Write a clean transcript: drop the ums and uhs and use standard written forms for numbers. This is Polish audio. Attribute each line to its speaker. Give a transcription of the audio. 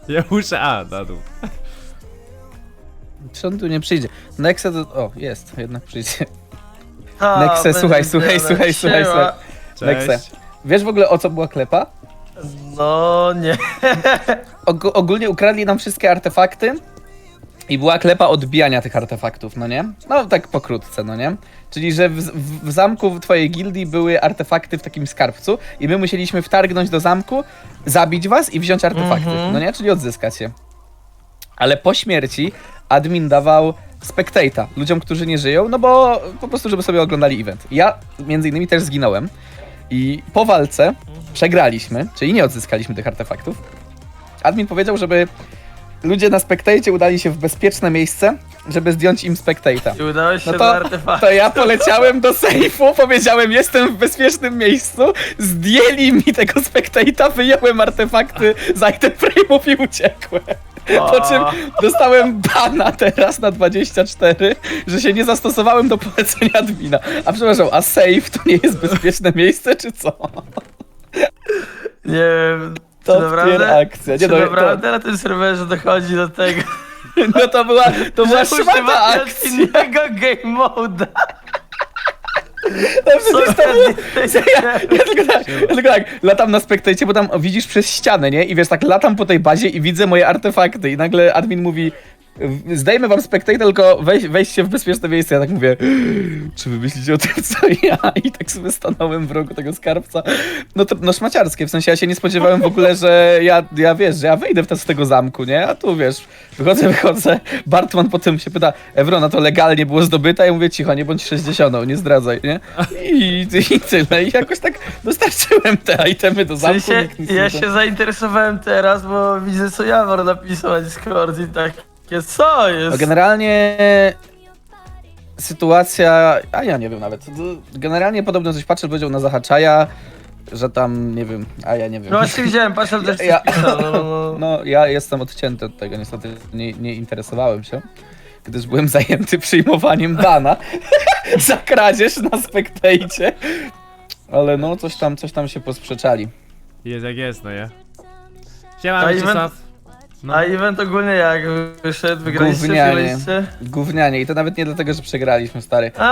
Speaker 1: Ja muszę... A, na dół.
Speaker 2: Czy on tu nie przyjdzie? Nexe to... O, jest, jednak przyjdzie.
Speaker 3: A,
Speaker 2: Nexe, słuchaj.
Speaker 1: Cześć.
Speaker 2: Nexe. Wiesz w ogóle o co była klepa?
Speaker 3: No nie.
Speaker 2: Ogólnie ukradli nam wszystkie artefakty i była klepa odbijania tych artefaktów, no nie? No tak pokrótce, no nie? Czyli, że w zamku w twojej gildii były artefakty w takim skarbcu i my musieliśmy wtargnąć do zamku, zabić was i wziąć artefakty, no nie? Czyli odzyskać je. Ale po śmierci admin dawał spectate'a ludziom, którzy nie żyją, no bo po prostu, żeby sobie oglądali event. Ja między innymi też zginąłem i po walce przegraliśmy, czyli nie odzyskaliśmy tych artefaktów. Admin powiedział, żeby ludzie na spectate'cie udali się w bezpieczne miejsce, żeby zdjąć im spectate'a.
Speaker 3: I udałeś się
Speaker 2: No
Speaker 3: do
Speaker 2: to,
Speaker 3: artefaktu.
Speaker 2: to ja poleciałem do sejfu, powiedziałem, jestem w bezpiecznym miejscu, zdjęli mi tego spectate'a, wyjąłem artefakty z item frame'ów i uciekłem. Po czym dostałem bana teraz na 24, że się nie zastosowałem do polecenia admina. A przepraszam, a safe to nie jest bezpieczne miejsce, czy co?
Speaker 3: Nie wiem. Czy
Speaker 2: Top
Speaker 3: naprawdę,
Speaker 2: tier akcja. Nie,
Speaker 3: czy
Speaker 2: no,
Speaker 3: naprawdę na tym serwerze dochodzi do tego,
Speaker 2: No to była
Speaker 3: że
Speaker 2: szmata
Speaker 3: używasz
Speaker 2: akcja.
Speaker 3: innego game mode'a?
Speaker 2: No przecież to było... Ja tylko tak, latam na spektajcie, bo tam widzisz przez ścianę, nie? I wiesz, tak latam po tej bazie i widzę moje artefakty i nagle admin mówi: zdajemy wam spectate, tylko weźcie w bezpieczne miejsce. Ja tak mówię, czy wy myślicie o tym, co ja? I tak sobie stanąłem w rogu tego skarbca. No to no szmaciarskie, w sensie ja się nie spodziewałem w ogóle, że ja wiesz, że ja wyjdę z tego zamku, nie? A tu wiesz, wychodzę, Bartman potem się pyta, Ewrona, to legalnie było zdobyte? Ja mówię, cicho, nie bądź 60, nie zdradzaj, nie? I tyle. I jakoś tak dostarczyłem te itemy do
Speaker 3: W
Speaker 2: zamku.
Speaker 3: sensie,
Speaker 2: nikt nic
Speaker 3: ja
Speaker 2: nie
Speaker 3: się zainteresowałem teraz, bo widzę co Jawor napisał na Discord i takie, co
Speaker 2: No
Speaker 3: jest?
Speaker 2: generalnie sytuacja, a ja nie wiem nawet, generalnie podobno coś patrzę, powiedział na Zahaczaja, że tam, nie wiem, a ja nie wiem.
Speaker 3: No właśnie widziałem, patrzę też
Speaker 2: Ja-
Speaker 3: coś pisał, no.
Speaker 2: No, ja jestem odcięty od tego, niestety nie interesowałem się, gdyż byłem zajęty przyjmowaniem bana za kradzież na spektejcie, ale no, coś tam się posprzeczali.
Speaker 1: Jest jak jest, no nie? Siema,
Speaker 3: A
Speaker 1: Mieczysław. No.
Speaker 3: A event ogólnie jak wyszedł, wygraliście,
Speaker 2: Gównianie.
Speaker 3: wygraliście?
Speaker 2: Gównianie i to nawet nie dlatego, że przegraliśmy, stary.